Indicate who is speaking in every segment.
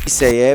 Speaker 1: Liseye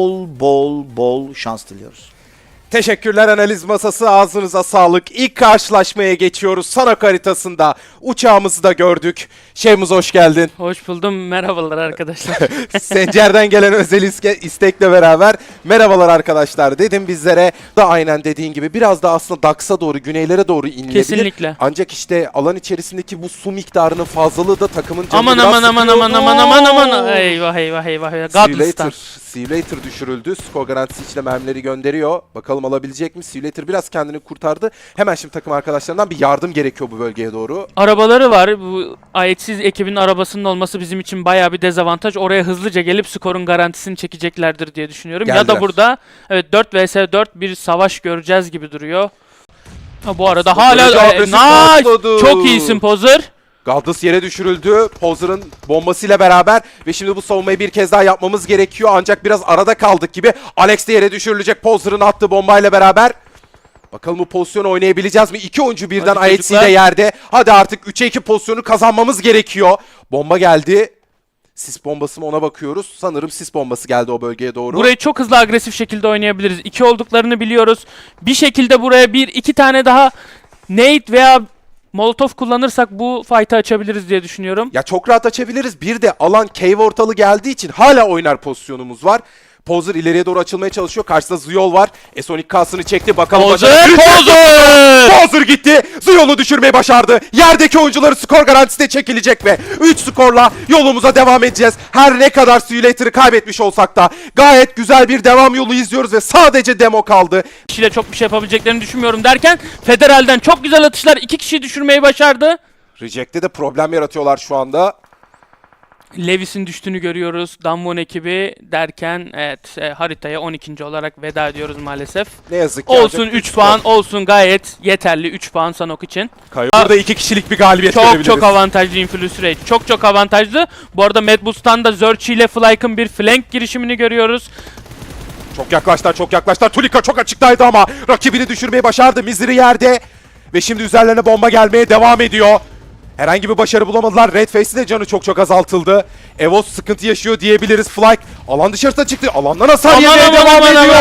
Speaker 1: bol şans diliyoruz.
Speaker 2: Teşekkürler analiz masası, ağzınıza sağlık. İlk karşılaşmaya geçiyoruz. Sanok haritasında uçağımızı da gördük. Şeyhimiz hoş geldin.
Speaker 3: Hoş buldum. Merhabalar arkadaşlar.
Speaker 2: Sencer'den gelen özel istekle beraber merhabalar arkadaşlar dedim bizlere. Da aynen dediğin gibi biraz da aslında Dax'a doğru, güneylere doğru inilebilir.
Speaker 3: Kesinlikle.
Speaker 2: Ancak işte alan içerisindeki bu su miktarının fazlalığı da takımın canını
Speaker 3: aman
Speaker 2: biraz
Speaker 3: aman
Speaker 2: sıkıyordu.
Speaker 3: aman. Eyvah eyvah eyvah. Godless'tan.
Speaker 2: See you later düşürüldü. Skor garantisi içine mermileri gönderiyor. Bakalım alabilecek mi? See you later biraz kendini kurtardı. Hemen şimdi takım arkadaşlarından bir yardım gerekiyor bu bölgeye doğru.
Speaker 3: Arabaları var. Bu ayetsiz ekibin arabasının olması bizim için bayağı bir dezavantaj. Oraya hızlıca gelip skorun garantisini çekeceklerdir diye düşünüyorum. Ya
Speaker 2: Geldiler.
Speaker 3: da burada evet 4 vs 4 bir savaş göreceğiz gibi duruyor. Ha, bu arada hala
Speaker 2: agresif
Speaker 3: nice.
Speaker 2: patladı.
Speaker 3: Çok iyisin Pozer.
Speaker 2: Galdas yere düşürüldü. Pozer'ın bombasıyla beraber ve şimdi bu savunmayı bir kez daha yapmamız gerekiyor. Ancak biraz arada kaldık gibi. Alex de yere düşürülecek Pozer'ın attığı bombayla beraber. Bakalım bu pozisyonu oynayabileceğiz mi? İki oyuncu birden
Speaker 3: Hadi
Speaker 2: IHC de
Speaker 3: çocuklar.
Speaker 2: yerde. Hadi artık 3'e 2 pozisyonu kazanmamız gerekiyor. Bomba geldi. Sis bombası mı ona bakıyoruz. Sanırım sis bombası geldi o bölgeye doğru.
Speaker 3: Burayı çok hızlı agresif şekilde oynayabiliriz. 2 olduklarını biliyoruz. Bir şekilde buraya 1-2 tane daha nade veya Molotov kullanırsak bu fight'ı açabiliriz diye düşünüyorum.
Speaker 2: Ya çok rahat açabiliriz. Bir de alan cave ortalı geldiği için hala oynar pozisyonumuz var. Pozer ileriye doğru açılmaya çalışıyor. Karşısında Ziyol var. Sonic K'sını çekti. Bakalım
Speaker 3: Pozer!
Speaker 2: Pozer gitti. Ziyol'u düşürmeyi başardı. Yerdeki oyuncuları skor garantisi de çekilecek ve 3 skorla yolumuza devam edeceğiz. Her ne kadar Simulator'ı kaybetmiş olsak da gayet güzel bir devam yolu izliyoruz ve sadece demo kaldı.
Speaker 3: Kişiyle çok bir şey yapabileceklerini düşünmüyorum derken Federal'den çok güzel atışlar 2 kişiyi düşürmeyi başardı.
Speaker 2: Reject'te de problem yaratıyorlar şu anda.
Speaker 3: Lewis'in düştüğünü görüyoruz. Damwon ekibi derken evet haritaya 12. olarak veda ediyoruz maalesef.
Speaker 2: Ne yazık ki.
Speaker 3: Olsun 3 puan olsun gayet yeterli 3 puan Sanok için.
Speaker 2: Burada 2 kişilik bir galibiyet
Speaker 3: Çok
Speaker 2: görebiliriz.
Speaker 3: çok avantajlı Influence Rate. Çok avantajlı. Bu arada Mad Bulls'tan da Zerchi ile Flyke'ın bir flank girişimini görüyoruz.
Speaker 2: Çok yaklaştılar. Tulika çok açıktaydı ama rakibini düşürmeyi başardı. Mizri yerde. Ve şimdi üzerlerine bomba gelmeye devam ediyor. Herhangi bir başarı bulamadılar. Red Face'in de canı çok azaltıldı. Evos sıkıntı yaşıyor diyebiliriz. Flyke alan dışarısına çıktı. Alandan hasar yemeye devam ediyor.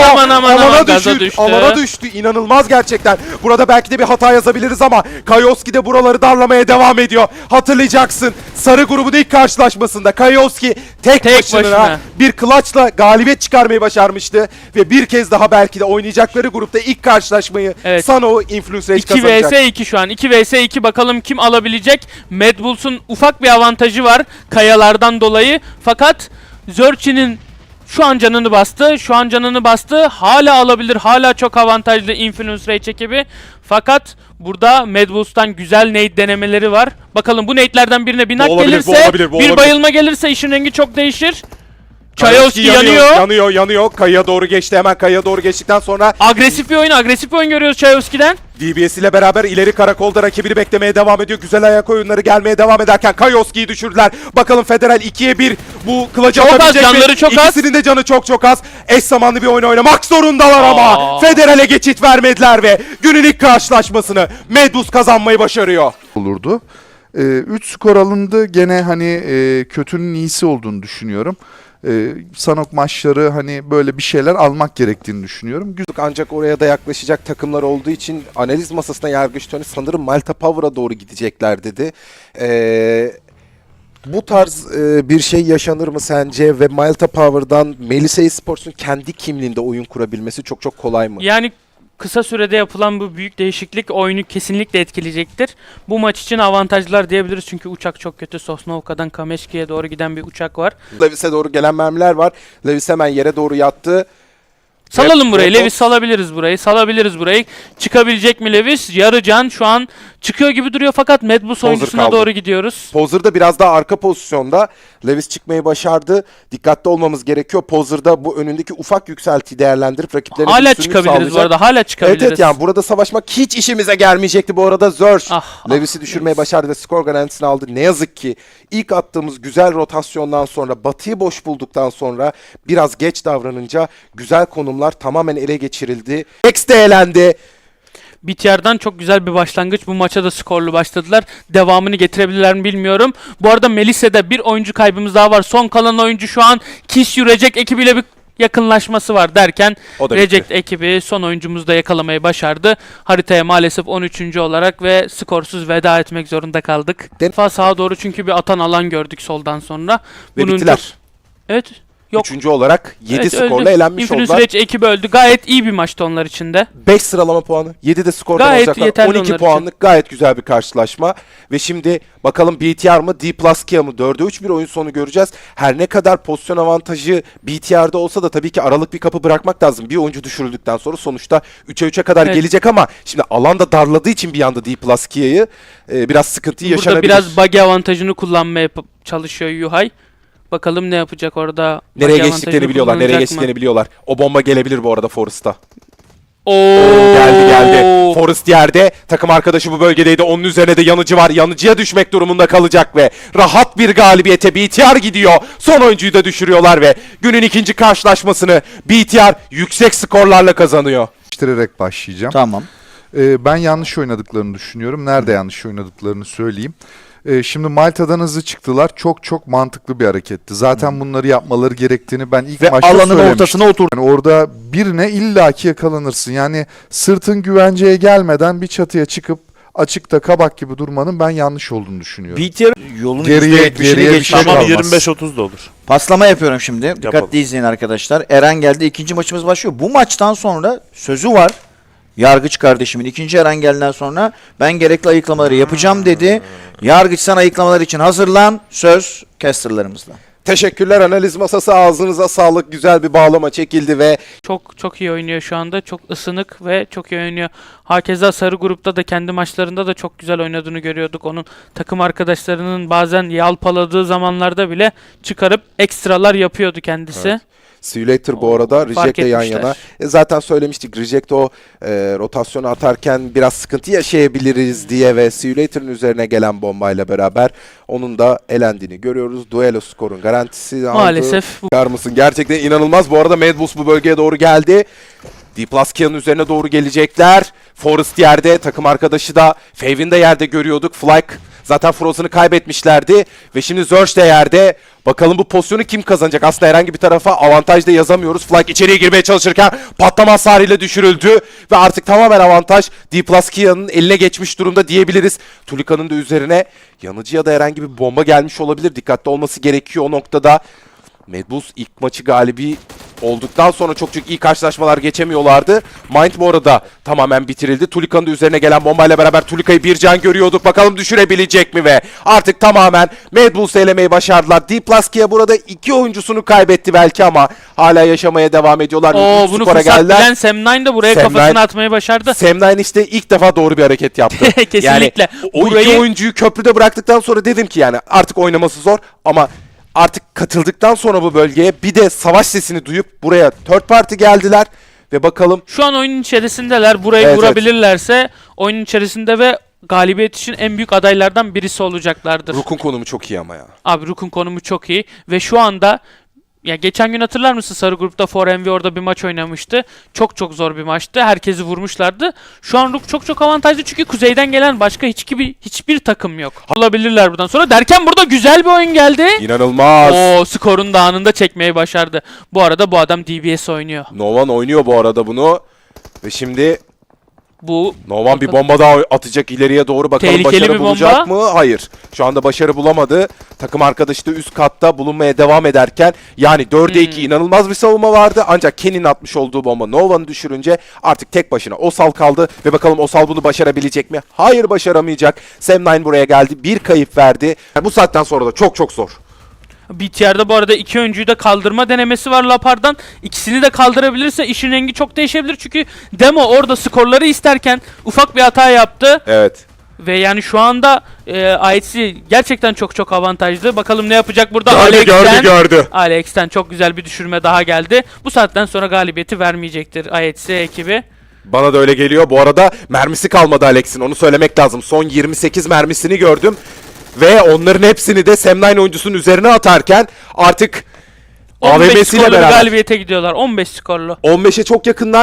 Speaker 2: Alana düştü. İnanılmaz gerçekten. Burada belki de bir hata yazabiliriz ama Kayoski de buraları darlamaya devam ediyor. Hatırlayacaksın. Sarı grubun ilk karşılaşmasında Kayoski tek başına bir clutch'la galibiyet çıkarmayı başarmıştı. Ve bir kez daha belki de oynayacakları grupta ilk karşılaşmayı Sano Influence Rage
Speaker 3: 2
Speaker 2: kazanacak.
Speaker 3: vs 2 şu an. 2 vs 2 bakalım kim alabilecek. Mad Bulls'un ufak bir avantajı var kayalardan dolayı. Fakat Zerchi'nin şu an canını bastı. Hala alabilir. Hala çok avantajlı Influence Rage ekibi. Fakat burada Mad Bulls'tan güzel nade denemeleri var. Bakalım bu nade'lerden birine bir nak gelirse, bir bayılma gelirse işin rengi çok değişir. Kayoski
Speaker 2: yanıyor. Kayaya doğru geçti. Hemen kayaya doğru geçtikten sonra
Speaker 3: agresif bir oyun görüyoruz Kayoski'den.
Speaker 2: DBS ile beraber ileri karakolda rakibini beklemeye devam ediyor. Güzel ayak oyunları gelmeye devam ederken Kayoski'yi düşürdüler. Bakalım Federal 2'ye 1 bu kılıcı atabilecek mi?
Speaker 3: Canları çok az.
Speaker 2: İkisinin de canı çok az. Eş zamanlı bir oyun oynamak zorundalar ama Federal'e geçit vermediler ve günün ilk karşılaşmasını Medus kazanmayı başarıyor.
Speaker 4: Olurdu. 3 skor alındı. Gene hani kötünün iyisi olduğunu düşünüyorum. Sanok maçları hani böyle bir şeyler almak gerektiğini düşünüyorum.
Speaker 2: Ancak oraya da yaklaşacak takımlar olduğu için analiz masasına Yargıç Tony sanırım Malta Power'a doğru gidecekler dedi. Bu tarz bir şey yaşanır mı sence ve Malta Power'dan Melisa Esports'un kendi kimliğinde oyun kurabilmesi çok kolay mı?
Speaker 3: Yani kısa sürede yapılan bu büyük değişiklik oyunu kesinlikle etkileyecektir. Bu maç için avantajlar diyebiliriz çünkü uçak çok kötü. Sosnovka'dan Kameşki'ye doğru giden bir uçak var.
Speaker 2: Lewis'e doğru gelen mermiler var. Lewis hemen yere doğru yattı.
Speaker 3: Salalım burayı. Lewis salabiliriz burayı. Çıkabilecek mi Lewis? Yarı can şu an çıkıyor gibi duruyor fakat Mad Bulls oyuncusuna doğru gidiyoruz.
Speaker 2: Pozer da biraz daha arka pozisyonda. Lewis çıkmayı başardı. Dikkatli olmamız gerekiyor. Pozer'da bu önündeki ufak yükseltiyi değerlendirip rakiplerine
Speaker 3: hala
Speaker 2: üstünlük
Speaker 3: çıkabiliriz
Speaker 2: sağlayacak.
Speaker 3: bu arada. Hala çıkabiliriz.
Speaker 2: Evet yani burada savaşmak hiç işimize gelmeyecekti bu arada. Zerch Lewis'i düşürmeye başardı ve skor garantisini aldı. Ne yazık ki ilk attığımız güzel rotasyondan sonra, Batı'yı boş bulduktan sonra biraz geç davranınca güzel konumlar tamamen ele geçirildi. X de elendi.
Speaker 3: BTR'dan çok güzel bir başlangıç. Bu maça da skorlu başladılar. Devamını getirebilirler mi bilmiyorum. Bu arada Melisa'da bir oyuncu kaybımız daha var. Son kalan oyuncu şu an Kiss You Reject ekibiyle bir yakınlaşması var derken
Speaker 2: O da
Speaker 3: Reject ekibi son oyuncumuzu da yakalamayı başardı. Haritaya maalesef 13. olarak ve skorsuz veda etmek zorunda kaldık. Defa sağa doğru çünkü bir atan alan gördük soldan sonra.
Speaker 2: Ve bittiler.
Speaker 3: Evet. Yok.
Speaker 2: Üçüncü olarak 7
Speaker 3: Evet,
Speaker 2: skorla
Speaker 3: öldü.
Speaker 2: elenmiş
Speaker 3: Infinite
Speaker 2: oldular.
Speaker 3: Rage ekibi öldü. Gayet iyi bir maçtı onlar için de.
Speaker 2: 5 sıralama puanı. 7 de skordan
Speaker 3: Gayet
Speaker 2: olacaklar.
Speaker 3: yeterli
Speaker 2: 12
Speaker 3: onlar için.
Speaker 2: puanlık gayet güzel bir karşılaşma. Ve şimdi bakalım BTR mı D plus Kia mı? 4'e 3 bir oyun sonu göreceğiz. Her ne kadar pozisyon avantajı BTR'da olsa da tabii ki aralık bir kapı bırakmak lazım. Bir oyuncu düşürüldükten sonra sonuçta 3'e 3'e kadar
Speaker 3: Evet.
Speaker 2: gelecek ama şimdi alanda darladığı için bir anda D plus Kia'yı biraz sıkıntı
Speaker 3: Burada
Speaker 2: yaşanabilir.
Speaker 3: biraz buggy avantajını kullanmaya çalışıyor Yuhay. Bakalım ne yapacak orada.
Speaker 2: Nereye
Speaker 3: Buggy
Speaker 2: geçtiklerini
Speaker 3: avantajını
Speaker 2: biliyorlar. Nereye
Speaker 3: kullanacak mı?
Speaker 2: geçtiklerini biliyorlar. O bomba gelebilir bu arada Forest'a.
Speaker 3: Oo.
Speaker 2: Geldi. Forest yerde. Takım arkadaşı bu bölgedeydi. Onun üzerine de yanıcı var. Yanıcıya düşmek durumunda kalacak ve rahat bir galibiyete BTR gidiyor. Son oyuncuyu da düşürüyorlar ve günün ikinci karşılaşmasını BTR yüksek skorlarla kazanıyor.
Speaker 4: Değiştirerek başlayacağım.
Speaker 1: Tamam.
Speaker 4: Ben yanlış oynadıklarını düşünüyorum. Nerede yanlış oynadıklarını söyleyeyim. Şimdi Malta'dan hızlı çıktılar. Çok mantıklı bir hareketti. Zaten bunları yapmaları gerektiğini ben ilk
Speaker 1: Ve
Speaker 4: maçta
Speaker 1: alanın
Speaker 4: söylemiştim.
Speaker 1: ortasına oturdu.
Speaker 4: Yani orada birine illaki yakalanırsın. Yani sırtın güvenceye gelmeden bir çatıya çıkıp açıkta kabak gibi durmanın ben yanlış olduğunu düşünüyorum.
Speaker 1: BTR yolun
Speaker 4: Geriye
Speaker 1: %70'ini
Speaker 4: bir
Speaker 1: geçti.
Speaker 4: şey
Speaker 5: Tamam
Speaker 4: kalmaz.
Speaker 5: 25-30 da olur.
Speaker 1: Paslama yapıyorum şimdi.
Speaker 5: Yapalım.
Speaker 1: Dikkatli izleyin arkadaşlar. Eren geldi. İkinci maçımız başlıyor. Bu maçtan sonra sözü var. Yargıç kardeşimin ikinci Eren geldiğinden sonra ben gerekli ayıklamaları yapacağım dedi. Yargıç sen ayıklamalar için hazırlan. Söz casterlarımızla.
Speaker 2: Teşekkürler analiz masası. Ağzınıza sağlık. Güzel bir bağlama çekildi ve
Speaker 3: Çok iyi oynuyor şu anda. Çok ısınık ve çok iyi oynuyor. Hakeza sarı grupta da kendi maçlarında da çok güzel oynadığını görüyorduk. Onun takım arkadaşlarının bazen yalpaladığı zamanlarda bile çıkarıp ekstralar yapıyordu kendisi.
Speaker 2: Evet. See you later bu arada
Speaker 3: Fark
Speaker 2: Reject'le yan
Speaker 3: etmişler.
Speaker 2: yana. Zaten söylemiştik Reject o rotasyonu atarken biraz sıkıntı yaşayabiliriz diye ve See you later'ın üzerine gelen bombayla beraber onun da elendiğini görüyoruz. Duelo skorun garantisi aldı.
Speaker 3: Maalesef bu
Speaker 2: Bakar mısın? Gerçekten inanılmaz. Bu arada Mad Bulls bu bölgeye doğru geldi. D plus Kia'nın üzerine doğru gelecekler. Forest yerde, takım arkadaşı da Fave'in de yerde görüyorduk. Flyke zaten Frozen'ı kaybetmişlerdi ve şimdi Zerge de yerde. Bakalım bu pozisyonu kim kazanacak? Aslında herhangi bir tarafa avantaj da yazamıyoruz. Flyke içeriye girmeye çalışırken patlama hasarıyla düşürüldü ve artık tamamen avantaj D plus Kia'nın eline geçmiş durumda diyebiliriz. Tulika'nın da üzerine yanıcıya da herhangi bir bomba gelmiş olabilir. Dikkatli olması gerekiyor o noktada. Mad Bulls ilk maçı galibi olduktan sonra çok iyi karşılaşmalar geçemiyorlardı. Mind bu arada tamamen bitirildi. Tulika'nın da üzerine gelen bombayla beraber Tulika'yı bir can görüyorduk. Bakalım düşürebilecek mi ve artık tamamen Mad Bulls'u elemeyi başardılar. D plus Kia burada 2 oyuncusunu kaybetti belki ama hala yaşamaya devam ediyorlar. Üç
Speaker 3: bunu
Speaker 2: skora
Speaker 3: fırsat
Speaker 2: geldiler.
Speaker 3: bilen Sam9 de buraya
Speaker 2: Sam9
Speaker 3: kafasını atmayı başardı.
Speaker 2: Sam9 işte ilk defa doğru bir hareket yaptı.
Speaker 3: Kesinlikle.
Speaker 2: Yani o iki
Speaker 3: Burayı-
Speaker 2: oyuncuyu köprüde bıraktıktan sonra dedim ki yani artık oynaması zor ama artık katıldıktan sonra bu bölgeye bir de savaş sesini duyup buraya third party geldiler ve bakalım
Speaker 3: Şu an oyunun içerisindeler. Burayı
Speaker 2: Evet,
Speaker 3: vurabilirlerse oyunun içerisinde ve galibiyet için en büyük adaylardan birisi olacaklardır.
Speaker 2: Rook'un konumu çok iyi ama ya.
Speaker 3: Abi Rook'un konumu çok iyi ve şu anda ya geçen gün hatırlar mısın sarı grupta 4MV orada bir maç oynamıştı. Çok zor bir maçtı. Herkesi vurmuşlardı. Şu an Rook çok avantajlı çünkü kuzeyden gelen başka hiçbir takım yok. Alabilirler buradan sonra derken burada güzel bir oyun geldi.
Speaker 2: İnanılmaz.
Speaker 3: O skorun da anında çekmeyi başardı. Bu arada bu adam DBS oynuyor.
Speaker 2: Novan oynuyor bu arada bunu ve şimdi
Speaker 3: Bu
Speaker 2: Novan bir bomba daha atacak ileriye doğru. Bakalım
Speaker 3: Tehlikeli
Speaker 2: başarı
Speaker 3: bir
Speaker 2: bulacak
Speaker 3: bomba.
Speaker 2: mı? Hayır. Şu anda başarı bulamadı. Takım arkadaşı da üst katta bulunmaya devam ederken yani 4'e 2 inanılmaz bir savunma vardı. Ancak Ken'in atmış olduğu bomba Novan'ı düşürünce artık tek başına Osal kaldı. Ve bakalım Osal bunu başarabilecek mi? Hayır, başaramayacak. Sam9 buraya geldi. Bir kayıp verdi. Bu saatten sonra da çok zor.
Speaker 3: BTR'da bu arada iki oyuncuyu da kaldırma denemesi var Lapar'dan. İkisini de kaldırabilirse işin rengi çok değişebilir. Çünkü Demo orada skorları isterken ufak bir hata yaptı.
Speaker 2: Evet.
Speaker 3: Ve yani şu anda IHC gerçekten çok avantajlı. Bakalım ne yapacak burada.
Speaker 2: Gördü.
Speaker 3: Alex'ten çok güzel bir düşürme daha geldi. Bu saatten sonra galibiyeti vermeyecektir IHC ekibi.
Speaker 2: Bana da öyle geliyor. Bu arada mermisi kalmadı Alex'in. Onu söylemek lazım. Son 28 mermisini gördüm. Ve onların hepsini de Sam9 oyuncusunun üzerine atarken artık
Speaker 3: 15
Speaker 2: AVM'siyle
Speaker 3: skorlu bir
Speaker 2: beraber
Speaker 3: galibiyete gidiyorlar. 15 skorlu.
Speaker 2: 15'e çok yakınlar.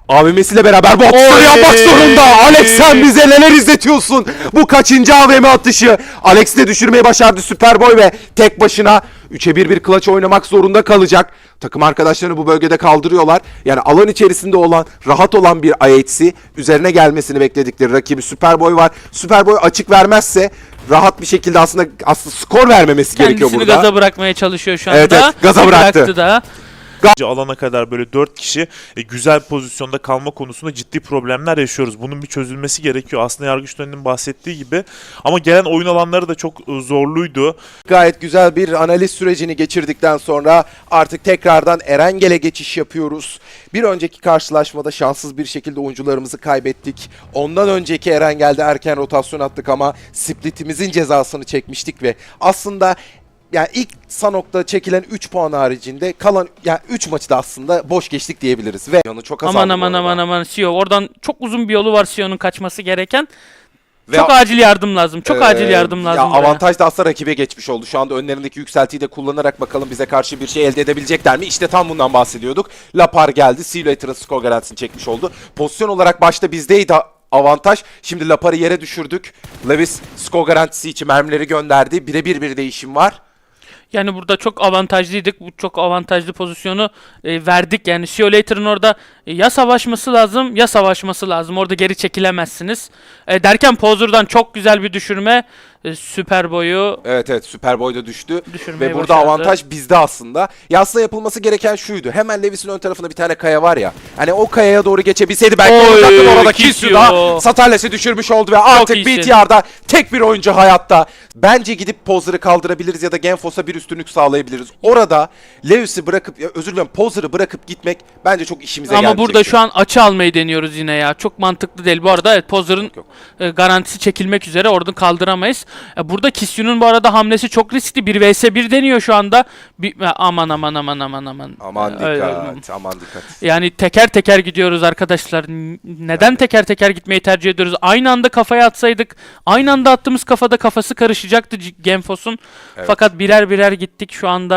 Speaker 2: AVM'siyle beraber bu atışları yapmak zorunda. Alex sen bize neler izletiyorsun? Bu kaçıncı AVM atışı? Alex'i de düşürmeyi başardı Superboy ve tek başına 3'e 1 bir clutch oynamak zorunda kalacak. Takım arkadaşlarını bu bölgede kaldırıyorlar. Yani alan içerisinde olan, rahat olan bir IHC üzerine gelmesini bekledikleri rakibi Superboy var. Superboy açık vermezse rahat bir şekilde aslında skor vermemesi gerekiyor
Speaker 3: Kendisini
Speaker 2: burada.
Speaker 3: gaza bırakmaya çalışıyor şu anda.
Speaker 2: Evet, evet, gaza bıraktı.
Speaker 3: Bıraktı da.
Speaker 5: Alana kadar böyle 4 kişi güzel pozisyonda kalma konusunda ciddi problemler yaşıyoruz. Bunun bir çözülmesi gerekiyor. Aslında Yargıç Dönen'in bahsettiği gibi. Ama gelen oyun alanları da çok zorluydu.
Speaker 2: Gayet güzel bir analiz sürecini geçirdikten sonra artık tekrardan Erengel'e geçiş yapıyoruz. Bir önceki karşılaşmada şanssız bir şekilde oyuncularımızı kaybettik. Ondan önceki Erengel'de erken rotasyon attık ama splitimizin cezasını çekmiştik ve aslında yani ilk Sanok'ta çekilen 3 puan haricinde kalan yani 3 maçı da aslında boş geçtik diyebiliriz ve yanı çok azaldı.
Speaker 3: Aman CEO. Oradan çok uzun bir yolu var CEO'nun kaçması gereken.
Speaker 2: Ve
Speaker 3: Çok acil yardım lazım. Çok acil yardım lazım.
Speaker 2: Ya avantaj da aslında rakibe geçmiş oldu. Şu anda önlerindeki yükseltiyi de kullanarak bakalım bize karşı bir şey elde edebilecekler mi? İşte tam bundan bahsediyorduk. Lapar geldi. Simulator'ın skor garantisini çekmiş oldu. Pozisyon olarak başta bizdeydi avantaj. Şimdi Lapar'ı yere düşürdük. Lewis skor garantisi için mermileri gönderdi. Birebir bir değişim var.
Speaker 3: Yani burada çok avantajlıydık. Bu çok avantajlı pozisyonu verdik. Yani Simulator'ın orada ya savaşması lazım ya savaşması lazım. Orada geri çekilemezsiniz. Derken Pozer'dan çok güzel bir düşürme. Superboy'u
Speaker 2: Evet Superboy da düştü.
Speaker 3: düşürmeyi
Speaker 2: Ve burada
Speaker 3: başardı.
Speaker 2: avantaj bizde aslında. Ya aslında yapılması gereken şuydu. Hemen Lewis'in ön tarafında bir tane kaya var ya. Hani o kayaya doğru geçebilseydi belki
Speaker 3: Oy,
Speaker 2: olacaktı. Orada
Speaker 3: Kisio.
Speaker 2: Kisio Satales'i düşürmüş oldu ve artık
Speaker 3: iyisin.
Speaker 2: BTR'da tek bir oyuncu hayatta. Bence gidip Pozer'ı kaldırabiliriz ya da Genfos'a bir üstünlük sağlayabiliriz. Orada Lewis'i bırakıp, özür dilerim Pozer'ı bırakıp gitmek bence çok işimize gelmeyecek.
Speaker 3: Ama burada şu an açı almayı deniyoruz yine ya. Çok mantıklı değil. Bu arada evet Pozer'ın garantisi çekilmek üzere. Oradan kaldıramayız. Burada Kisyu'nun bu arada hamlesi çok riskli. 1 vs 1 deniyor şu anda. Aman.
Speaker 2: Aman dikkat, aman dikkat.
Speaker 3: Yani teker teker gidiyoruz arkadaşlar. Neden teker teker gitmeyi tercih ediyoruz? Aynı anda kafaya atsaydık, aynı anda attığımız kafada kafası karışacaktı Genfos'un.
Speaker 2: Evet.
Speaker 3: Fakat birer birer gittik.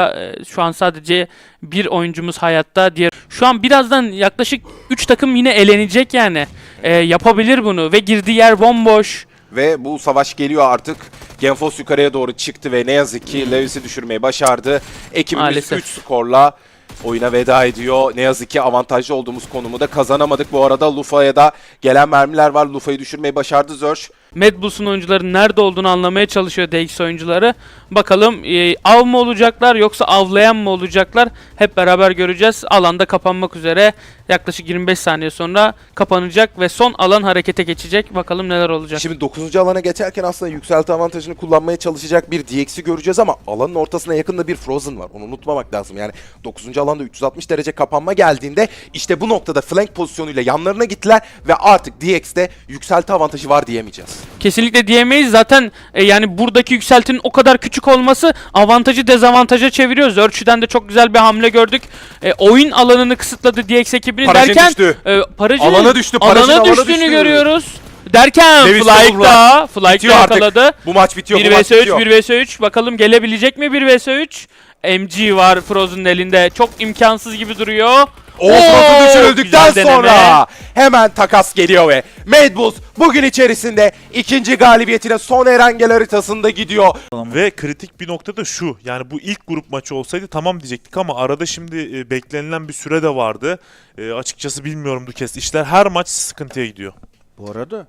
Speaker 3: Şu an sadece bir oyuncumuz hayatta. Şu an birazdan yaklaşık 3 takım yine elenecek yani. Yapabilir bunu ve girdiği yer bomboş.
Speaker 2: Ve bu savaş geliyor artık. Genfos yukarıya doğru çıktı ve ne yazık ki Lewis'i düşürmeyi başardı. Ekibimiz
Speaker 3: Maalesef.
Speaker 2: 3 skorla oyuna veda ediyor. Ne yazık ki avantajlı olduğumuz konumu da kazanamadık. Bu arada Lufa'ya da gelen mermiler var. Lufa'yı düşürmeyi başardı Zerch.
Speaker 3: Mad Bulls'un oyuncuların nerede olduğunu anlamaya çalışıyor DX oyuncuları. Bakalım av mı olacaklar yoksa avlayan mı olacaklar? Hep beraber göreceğiz. Alanda kapanmak üzere. Yaklaşık 25 saniye sonra kapanacak ve son alan harekete geçecek. Bakalım neler olacak.
Speaker 2: Şimdi 9. alana geçerken aslında yükselti avantajını kullanmaya çalışacak bir DX'i göreceğiz ama alanın ortasına yakında bir Frozen var. Onu unutmamak lazım. Yani 9. alanda 360 derece kapanma geldiğinde işte bu noktada flank pozisyonuyla yanlarına gittiler ve artık DX'de yükselti avantajı var diyemeyeceğiz.
Speaker 3: Kesinlikle diyemeyiz. Zaten yani buradaki yükseltinin o kadar küçük olması avantajı dezavantaja çeviriyor. Zerch'den de çok güzel bir hamle gördük. Oyun alanını kısıtladı DX ekibini
Speaker 2: Parajin
Speaker 3: derken
Speaker 2: düştü.
Speaker 3: Parajin'in
Speaker 2: Alana düştü, Parajin
Speaker 3: alana
Speaker 2: alana
Speaker 3: düştüğünü
Speaker 2: düştü.
Speaker 3: görüyoruz. Derken
Speaker 2: Lewis
Speaker 3: Flyke'da
Speaker 2: Bitiyor artık.
Speaker 3: yakaladı.
Speaker 2: Bu maç bitiyor.
Speaker 3: 1 vs 3, 1 vs 3. Bakalım gelebilecek mi 1 vs 3? MG var Frozen'ın elinde. Çok imkansız gibi duruyor.
Speaker 2: Frozen düşürüldükten
Speaker 3: güzel deneme.
Speaker 2: sonra hemen takas geliyor ve Mad Bulls bugün içerisinde ikinci galibiyetine son Erengel haritasında gidiyor.
Speaker 5: Ve kritik bir nokta da şu. Yani bu ilk grup maçı olsaydı tamam diyecektik ama arada şimdi beklenilen bir süre de vardı. Açıkçası bilmiyorum Dukes. İşler her maç sıkıntıya gidiyor.
Speaker 1: Bu arada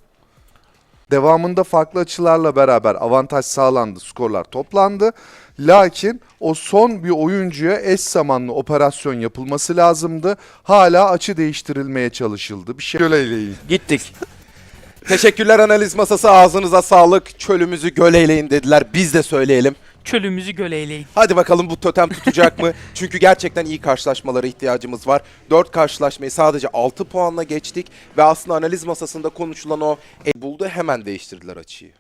Speaker 4: Devamında farklı açılarla beraber avantaj sağlandı, skorlar toplandı. Lakin o son bir oyuncuya eş zamanlı operasyon yapılması lazımdı. Hala açı değiştirilmeye çalışıldı. Bir şey söyleyin.
Speaker 1: gittik.
Speaker 2: Teşekkürler analiz masası, ağzınıza sağlık. Çölümüzü göl eyleyin dediler. Biz de söyleyelim.
Speaker 3: Çölümüzü göleyleyin.
Speaker 2: Hadi bakalım bu totem tutacak mı? Çünkü gerçekten iyi karşılaşmalara ihtiyacımız var. 4 karşılaşmayı sadece 6 puanla geçtik. Ve aslında analiz masasında konuşulan o buldu, hemen değiştirdiler açıyı.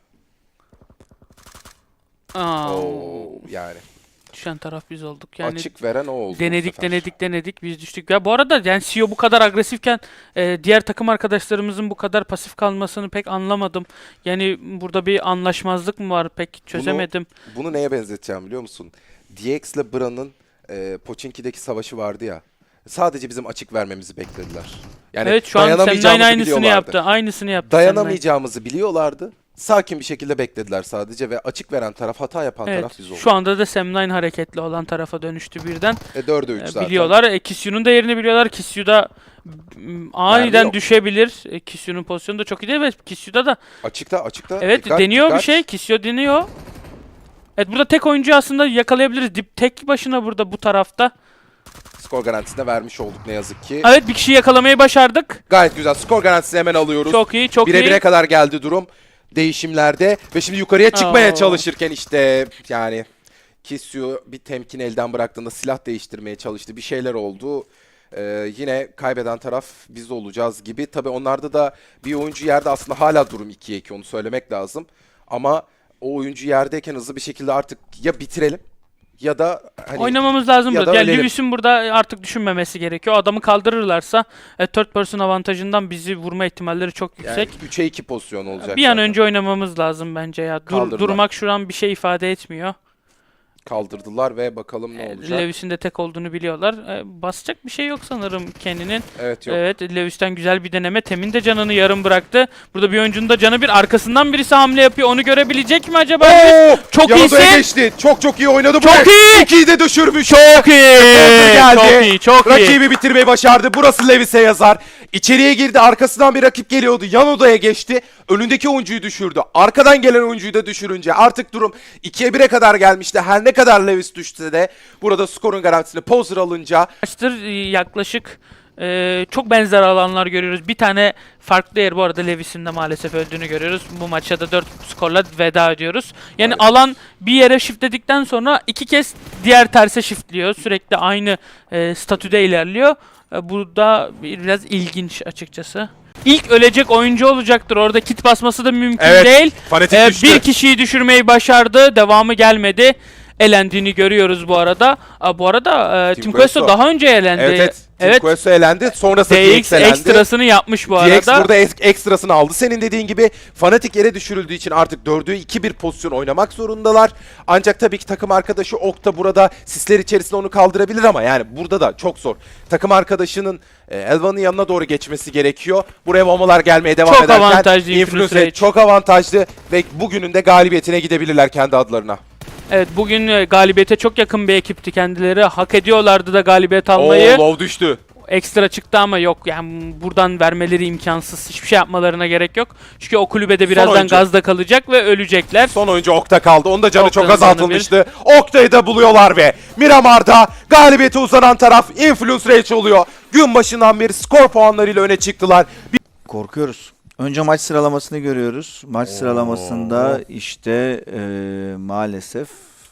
Speaker 2: Yani
Speaker 3: Düşen taraf biz olduk. Yani
Speaker 2: açık veren o oldu. bu
Speaker 3: denedik biz düştük. Ya bu arada yani CEO bu kadar agresifken diğer takım arkadaşlarımızın bu kadar pasif kalmasını pek anlamadım. Yani burada bir anlaşmazlık mı var pek çözemedim.
Speaker 2: Bunu neye benzeteceğim biliyor musun? DX ile Bra'nın Pochinki'deki savaşı vardı ya. Sadece bizim açık vermemizi beklediler.
Speaker 6: Yani
Speaker 3: Evet, şu an Sam9
Speaker 6: dayanamayacağımızı
Speaker 3: aynısını
Speaker 6: biliyorlardı.
Speaker 3: yaptı. Aynısını yaptı. Sam9.
Speaker 6: Dayanamayacağımızı biliyorlardı. Sakin bir şekilde beklediler sadece ve açık veren taraf, hata yapan
Speaker 3: Evet.
Speaker 6: taraf biz olduk.
Speaker 3: Şu anda da Sam9 hareketli olan tarafa dönüştü birden.
Speaker 6: 4'e 3 zaten.
Speaker 3: Biliyorlar. Kisyu'nun da yerini biliyorlar. Kisyu da aniden
Speaker 6: yok.
Speaker 3: düşebilir. Kisyu'nun pozisyonu da çok iyi değil ve Kisyu'da da
Speaker 6: Açıkta.
Speaker 3: evet
Speaker 6: Dikkat,
Speaker 3: deniyor
Speaker 6: dikkat.
Speaker 3: bir şey. Kisyu deniyor. Evet, burada tek oyuncu aslında yakalayabiliriz. Dip tek başına burada bu tarafta.
Speaker 6: Skor garantisine vermiş olduk ne yazık ki.
Speaker 3: Evet, bir kişiyi yakalamayı başardık.
Speaker 6: Gayet güzel. Skor garantisini hemen alıyoruz.
Speaker 3: Çok iyi, çok
Speaker 6: Bire
Speaker 3: iyi.
Speaker 6: bire kadar geldi durum değişimlerde ve şimdi yukarıya çıkmaya
Speaker 3: Oo.
Speaker 6: çalışırken işte yani Kisyu bir temkin elden bıraktığında silah değiştirmeye çalıştı. Bir şeyler oldu. Yine kaybeden taraf biz olacağız gibi. Tabii onlarda da bir oyuncu yerde, aslında hala durum 2'ye 2, onu söylemek lazım. Ama o oyuncu yerdeyken hızlı bir şekilde artık ya bitirelim ya da hani
Speaker 3: Oynamamız lazım
Speaker 6: ya
Speaker 3: burada.
Speaker 6: da
Speaker 3: Yani
Speaker 6: ölelim.
Speaker 3: Lewis'in burada artık düşünmemesi gerekiyor. Adamı kaldırırlarsa third person avantajından bizi vurma ihtimalleri çok
Speaker 6: yani
Speaker 3: yüksek.
Speaker 6: 3'e 2 pozisyon olacak.
Speaker 3: Bir an
Speaker 6: zaten.
Speaker 3: önce oynamamız lazım bence ya.
Speaker 6: Kaldırdılar.
Speaker 3: Durmak şu an bir şey ifade etmiyor.
Speaker 6: Kaldırdılar ve bakalım ne olacak.
Speaker 3: Lewis'in de tek olduğunu biliyorlar. Basacak bir şey yok sanırım Kenny'nin.
Speaker 6: Evet, yok.
Speaker 3: Evet, Lewis'ten güzel bir deneme. Temin de canını yarım bıraktı. Burada bir oyuncunun da canı bir. Arkasından birisi hamle yapıyor. Onu görebilecek mi acaba?
Speaker 6: Oo!
Speaker 3: Çok
Speaker 6: Yanada'ya
Speaker 3: iyisin.
Speaker 6: geçti. Çok iyi oynadı.
Speaker 3: Çok iyi.
Speaker 6: Çok iyi de düşürmüş.
Speaker 3: Çok iyi.
Speaker 6: Geldi.
Speaker 3: Çok iyi. Çok iyi.
Speaker 6: Rakibi bitirmeyi başardı. Burası Lewis'e yazar. İçeriye girdi. Arkasından bir rakip geliyordu. Yan odaya geçti. Önündeki oyuncuyu düşürdü. Arkadan gelen oyuncuyu da düşürünce artık durum 2'ye 1'e kadar gelmişti. Her ne kadar Lewis düşse de burada skorun garantisini Poser alınca
Speaker 3: Maçtır yaklaşık çok benzer alanlar görüyoruz. Bir tane farklı yer, bu arada Lewis'in de maalesef öldüğünü görüyoruz. Bu maçta da 4 skorla veda ediyoruz. Yani alan bir yere shiftledikten sonra 2 kez diğer terse shiftliyor. Sürekli aynı statüde ilerliyor. Bu da biraz ilginç açıkçası. İlk ölecek oyuncu olacaktır. Orada kit basması da mümkün değil.
Speaker 6: Fanatik düştü.
Speaker 3: Bir kişiyi düşürmeyi başardı. Devamı gelmedi. Elendiğini görüyoruz bu arada. Bu arada Team Queso daha önce elendi.
Speaker 6: Evet. Team Queso elendi. Sonrası
Speaker 3: DX
Speaker 6: DX elendi.
Speaker 3: ekstrasını yapmış bu
Speaker 6: DX
Speaker 3: arada.
Speaker 6: burada ekstrasını aldı. Senin dediğin gibi Fnatic yere düşürüldüğü için artık 4'ü 2-1 pozisyon oynamak zorundalar. Ancak tabii ki takım arkadaşı Okta burada sisler içerisinde onu kaldırabilir ama yani burada da çok zor. Takım arkadaşının Elvan'ın yanına doğru geçmesi gerekiyor. Buraya bombalar gelmeye devam
Speaker 3: Çok
Speaker 6: ederken
Speaker 3: avantajlı Influence
Speaker 6: Influence
Speaker 3: Rage.
Speaker 6: çok avantajlı ve bugünün de galibiyetine gidebilirler kendi adlarına.
Speaker 3: Evet, bugün galibiyete çok yakın bir ekipti kendileri. Hak ediyorlardı da galibiyet almayı.
Speaker 6: Low düştü.
Speaker 3: Ekstra çıktı ama yok, yani buradan vermeleri imkansız. Hiçbir şey yapmalarına gerek yok. Çünkü o kulübede birazdan
Speaker 6: oyuncu.
Speaker 3: gazda kalacak ve ölecekler.
Speaker 6: Son oyuncu Okta kaldı. Onun da canı
Speaker 3: Okta'nın
Speaker 6: çok
Speaker 3: canı
Speaker 6: azaltılmıştı. Okta'yı da buluyorlar ve Miramar'da galibiyete uzanan taraf Influence Rage oluyor. Gün başından beri skor puanlarıyla öne çıktılar.
Speaker 1: Korkuyoruz. Önce maç sıralamasını görüyoruz. Maç sıralamasında işte maalesef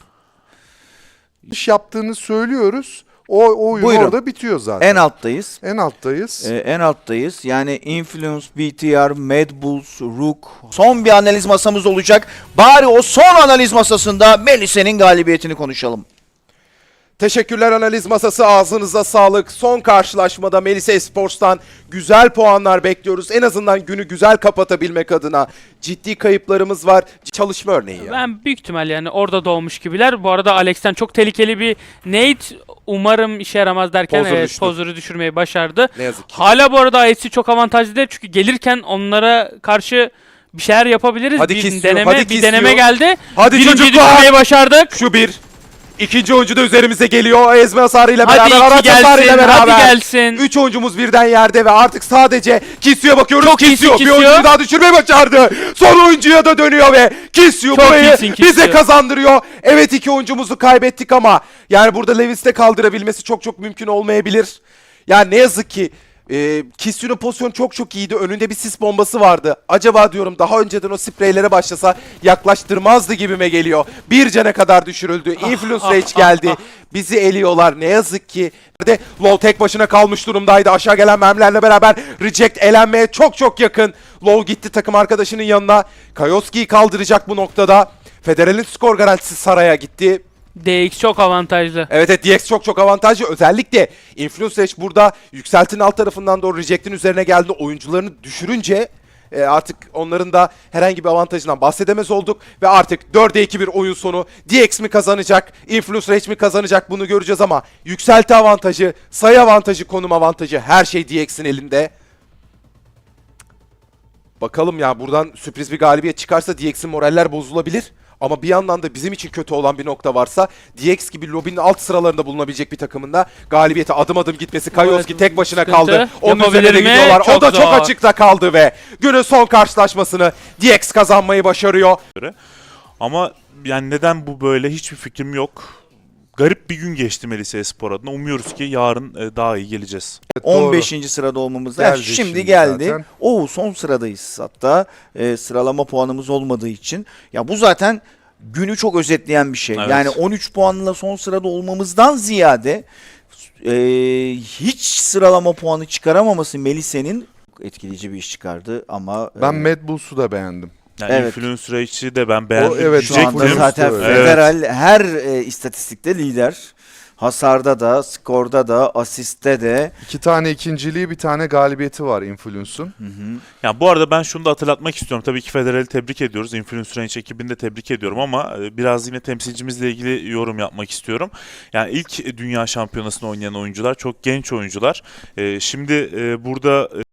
Speaker 4: İş yaptığını söylüyoruz. O oyun
Speaker 1: Buyurun.
Speaker 4: orada bitiyor zaten.
Speaker 1: en alttayız.
Speaker 4: En alttayız.
Speaker 1: En alttayız. Yani Influence, BTR, Mad Bulls, Rook. Son bir analiz masamız olacak. Bari o son analiz masasında Melisa'nın galibiyetini konuşalım.
Speaker 6: Teşekkürler analiz masası, ağzınıza sağlık. Son karşılaşmada Melisa Esports'tan güzel puanlar bekliyoruz. En azından günü güzel kapatabilmek adına ciddi kayıplarımız var. Çalışma örneği ya.
Speaker 3: Ben büyük ihtimal yani orada doğmuş gibiler. Bu arada Alex'ten çok tehlikeli bir nade. Umarım işe yaramaz derken
Speaker 6: Pozer
Speaker 3: evet,
Speaker 6: düştü.
Speaker 3: Pozer'ı düşürmeyi başardı.
Speaker 6: Ne yazık ki.
Speaker 3: Hala bu arada IC çok avantajlı değil çünkü gelirken onlara karşı bir şeyler yapabiliriz.
Speaker 6: Hadi
Speaker 3: bir
Speaker 6: kesiyor,
Speaker 3: deneme,
Speaker 6: hadi
Speaker 3: bir
Speaker 6: kesiyor.
Speaker 3: deneme geldi.
Speaker 6: Hadi
Speaker 3: Birinciyi
Speaker 6: çocuklar.
Speaker 3: düşürmeyi başardık.
Speaker 6: Şu bir. İkinci oyuncu da üzerimize geliyor. Ezme hasarıyla
Speaker 3: Hadi
Speaker 6: beraber,
Speaker 3: iki
Speaker 6: araç hasarıyla
Speaker 3: gelsin,
Speaker 6: beraber.
Speaker 3: hadi gelsin.
Speaker 6: 3 oyuncumuz birden yerde ve artık sadece Kisyo'ya bakıyoruz.
Speaker 3: Çok iyisin
Speaker 6: Kisyo bir
Speaker 3: Kisyo.
Speaker 6: oyuncuyu daha düşürmeyi başardı. Son oyuncuya da dönüyor ve Kisyo
Speaker 3: Çok
Speaker 6: burayı
Speaker 3: iyisin Kisyo.
Speaker 6: bize kazandırıyor. Evet, 2 oyuncumuzu kaybettik ama yani burada Lewis'te kaldırabilmesi çok mümkün olmayabilir. Yani ne yazık ki Kisyo'nun pozisyonu çok iyiydi. Önünde bir sis bombası vardı. Acaba diyorum daha önceden o spreylere başlasa yaklaştırmazdı gibime geliyor. Bir cana kadar düşürüldü. Influence Rage geldi. Bizi eliyorlar ne yazık ki. De Low tek başına kalmış durumdaydı. Aşağı gelen mermilerle beraber Reject elenmeye çok yakın. Low gitti takım arkadaşının yanına. Kayoski'yi kaldıracak bu noktada. Federal'in skor garantisi Saray'a gitti.
Speaker 3: DX çok avantajlı.
Speaker 6: Evet DX çok avantajlı. Özellikle Influence Rage burada yükseltinin alt tarafından doğru Reject'in üzerine geldi. Oyuncularını düşürünce artık onların da herhangi bir avantajından bahsedemez olduk. Ve artık 4'e 2 bir oyun sonu. DX mi kazanacak, Influence Rage mi kazanacak bunu göreceğiz ama yükselti avantajı, sayı avantajı, konum avantajı her şey DX'in elinde. Bakalım ya, buradan sürpriz bir galibiyet çıkarsa DX'in moraller bozulabilir. Ama bir yandan da bizim için kötü olan bir nokta varsa, DX gibi lobinin alt sıralarında bulunabilecek bir takımında galibiyete adım adım gitmesi. Kayoski tek başına
Speaker 3: sıkıntı.
Speaker 6: kaldı. Onun
Speaker 3: Yapabilir
Speaker 6: üzerine de
Speaker 3: mi?
Speaker 6: gidiyorlar. O
Speaker 3: Çok
Speaker 6: da çok
Speaker 3: zor.
Speaker 6: açıkta kaldı ve günün son karşılaşmasını DX kazanmayı başarıyor.
Speaker 5: Ama yani neden bu böyle hiçbir fikrim yok. Garip bir gün geçti Melisa Espor adına. Umuyoruz ki yarın daha iyi geleceğiz.
Speaker 4: Evet, doğru.
Speaker 1: 15. sırada olmamız
Speaker 4: Geldi
Speaker 1: lazım. Şimdi
Speaker 4: şimdi
Speaker 1: geldi.
Speaker 4: zaten.
Speaker 1: Son sıradayız hatta. Sıralama puanımız olmadığı için. Ya bu zaten günü çok özetleyen bir şey.
Speaker 5: Evet.
Speaker 1: Yani 13 puanla son sırada olmamızdan ziyade hiç sıralama puanı çıkaramaması Melisa'nın etkileyici bir iş çıkardı ama
Speaker 4: Ben Mad Bulls'u da beğendim.
Speaker 5: Yani
Speaker 1: Evet.
Speaker 5: Influencer Rage'i de ben beğendim.
Speaker 4: evet,
Speaker 1: şu anda
Speaker 4: Influencer
Speaker 1: zaten
Speaker 4: öyle.
Speaker 1: federal her istatistikte lider. Hasarda da, skorda da, asiste de.
Speaker 4: 2 tane ikinciliği, bir tane galibiyeti var Influence'un.
Speaker 5: Yani bu arada ben şunu da hatırlatmak istiyorum. Tabii ki Federal'i tebrik ediyoruz. Influencer Range ekibini de tebrik ediyorum ama biraz yine temsilcimizle ilgili yorum yapmak istiyorum. Yani ilk dünya şampiyonasını oynayan oyuncular çok genç oyuncular. Şimdi burada